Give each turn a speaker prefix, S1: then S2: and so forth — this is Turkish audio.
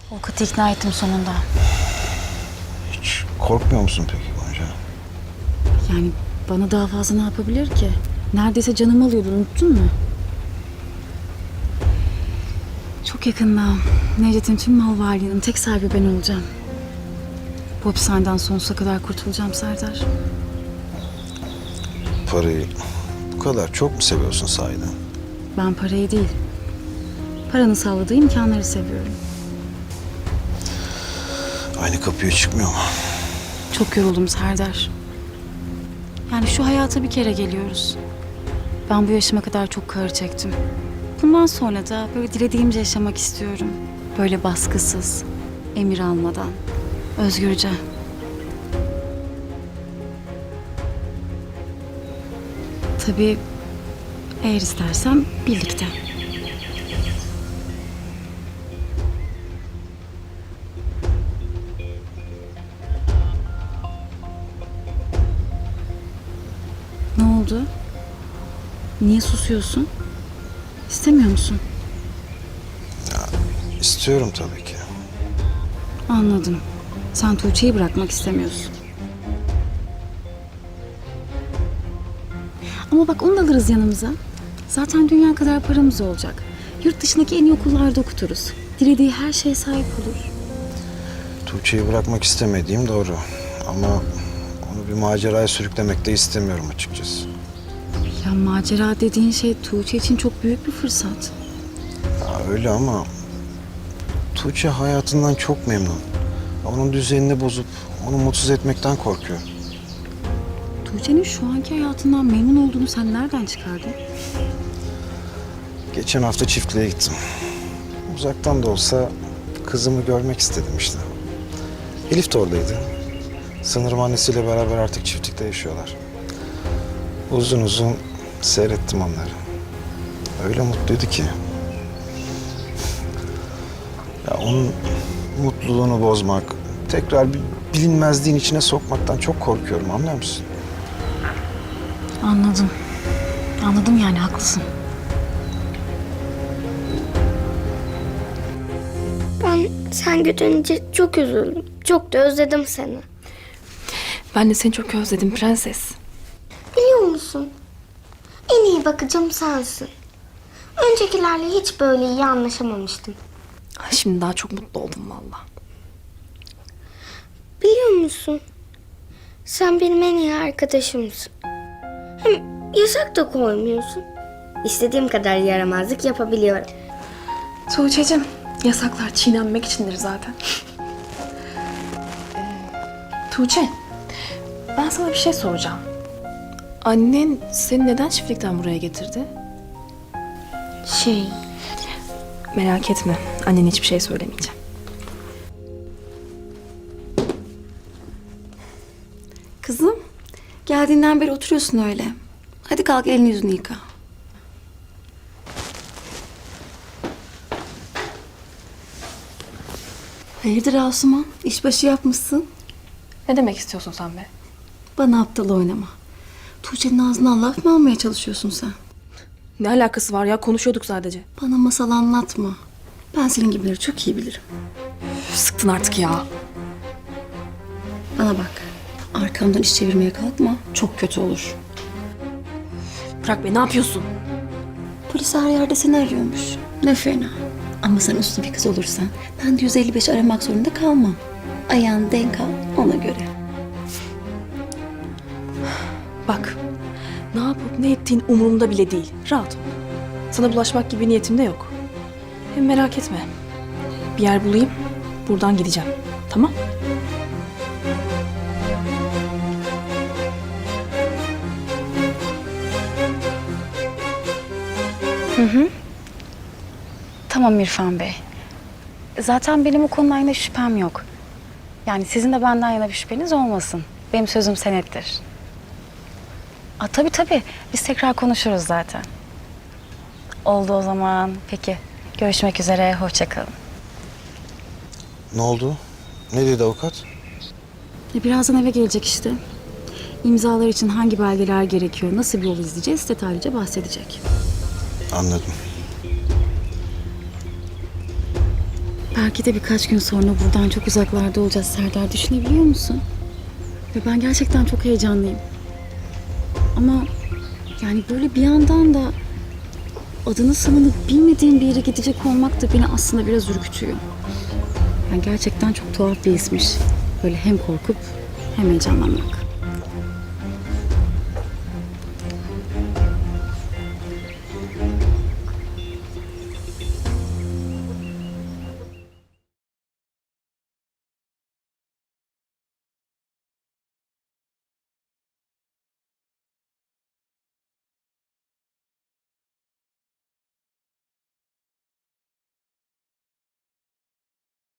S1: Avukatı ikna ettim sonunda.
S2: Hiç korkmuyor musun peki Gonca?
S1: Yani bana daha fazla ne yapabilir ki? Neredeyse canımı alıyordu, unuttun mu? Çok yakında Necdet'in tüm mal varlığının tek sahibi ben olacağım. Bu hapishaneden sonsuza kadar kurtulacağım Serdar.
S2: Parayı bu kadar çok mu seviyorsun sahiden?
S1: Ben parayı değil, paranın sağladığı imkanları seviyorum.
S2: Aynı kapıya çıkmıyor mu?
S1: Çok yoruldum Serdar. Yani şu hayata bir kere geliyoruz. Ben bu yaşıma kadar çok kahır çektim. Bundan sonra da böyle dilediğimce yaşamak istiyorum. Böyle baskısız, emir almadan, özgürce. Tabii eğer istersem birlikte. Ne oldu? Niye susuyorsun? İstemiyor musun?
S2: İstiyorum tabii ki.
S1: Anladım. Sen Tuğçe'yi bırakmak istemiyorsun. Ama bak onu da alırız yanımıza. Zaten dünya kadar paramız olacak. Yurt dışındaki en iyi okullarda okuturuz. Dilediği her şeye sahip olur.
S2: Tuğçe'yi bırakmak istemediğim doğru. Ama onu bir maceraya sürüklemek de istemiyorum açıkçası.
S1: Ya macera dediğin şey Tuğçe için çok büyük bir fırsat.
S2: Ya öyle ama Tuğçe hayatından çok memnun. Onun düzenini bozup onu mutsuz etmekten korkuyor.
S1: Tuğçe'nin şu anki hayatından memnun olduğunu sen nereden çıkardın?
S2: Geçen hafta çiftliğe gittim. Uzaktan da olsa kızımı görmek istedim işte. Elif de oradaydı. Sanırım annesiyle beraber artık çiftlikte yaşıyorlar. Uzun uzun seyrettim onları. Öyle mutluydu ki. Ya onun mutluluğunu bozmak, tekrar bir bilinmezliğin içine sokmaktan çok korkuyorum, anlıyor musun?
S1: Anladım. Anladım yani haklısın.
S3: Ben sen gidince çok üzüldüm. Çok da özledim seni.
S4: Ben de seni çok özledim prenses.
S3: Biliyor musun? En iyi bakıcım sensin. Öncekilerle hiç böyle iyi anlaşamamıştım.
S4: Ay, şimdi daha çok mutlu oldum valla.
S3: Biliyor musun? Sen benim en iyi arkadaşımsın. Hem yasak da koymuyorsun. İstediğim kadar yaramazlık yapabiliyorum.
S4: Tuğçe'cim, yasaklar çiğnenmek içindir zaten. Tuğçe, ben sana bir şey soracağım. Annen seni neden çiftlikten buraya getirdi? Merak etme, annene hiçbir şey söylemeyeceğim.
S5: Kızım, geldiğinden beri oturuyorsun öyle. Hadi kalk elini yüzünü yıka. Hayırdır Asuman? İşbaşı yapmışsın.
S4: Ne demek istiyorsun sen be?
S5: Bana aptal oynama. Tuğçe'nin ağzından laf mı almaya çalışıyorsun sen?
S4: Ne alakası var ya? Konuşuyorduk sadece.
S5: Bana masal anlatma. Ben senin gibileri çok iyi bilirim.
S4: Üf, sıktın artık ya.
S5: Bana bak. Arkamdan iş çevirmeye kalkma. Çok kötü olur.
S4: Bırak be, ne yapıyorsun?
S5: Polis her yerde seni arıyormuş. Ne fena. Ama sen uslu bir kız olursan ben de 155 aramak zorunda kalmam. Ayağını denk al ona göre.
S4: Bak, ne yapıp ne ettiğin umurumda bile değil. Rahat ol. Sana bulaşmak gibi niyetim de yok. Hem merak etme. Bir yer bulayım, buradan gideceğim. Tamam?
S1: Tamam İrfan Bey. Zaten benim o konuda yine şüphem yok. Yani sizin de benden yana bir şüpheniz olmasın. Benim sözüm senettir. Tabii tabii. Biz tekrar konuşuruz zaten. Oldu o zaman. Peki. Görüşmek üzere. Hoşça kalın.
S2: Ne oldu? Ne dedi avukat?
S1: Birazdan eve gelecek işte. İmzalar için hangi belgeler gerekiyor, nasıl bir yol izleyeceğiz detaylıca bahsedecek.
S2: Anladım.
S1: Belki de birkaç gün sonra buradan çok uzaklarda olacağız Serdar. Düşünebiliyor musun? Ve ben gerçekten çok heyecanlıyım. Ama yani böyle bir yandan da adını sanını bilmediğim bir yere gidecek olmak da beni aslında biraz ürkütüyor. Yani gerçekten çok tuhaf bir ismiş. Böyle hem korkup hem heyecanlanmak.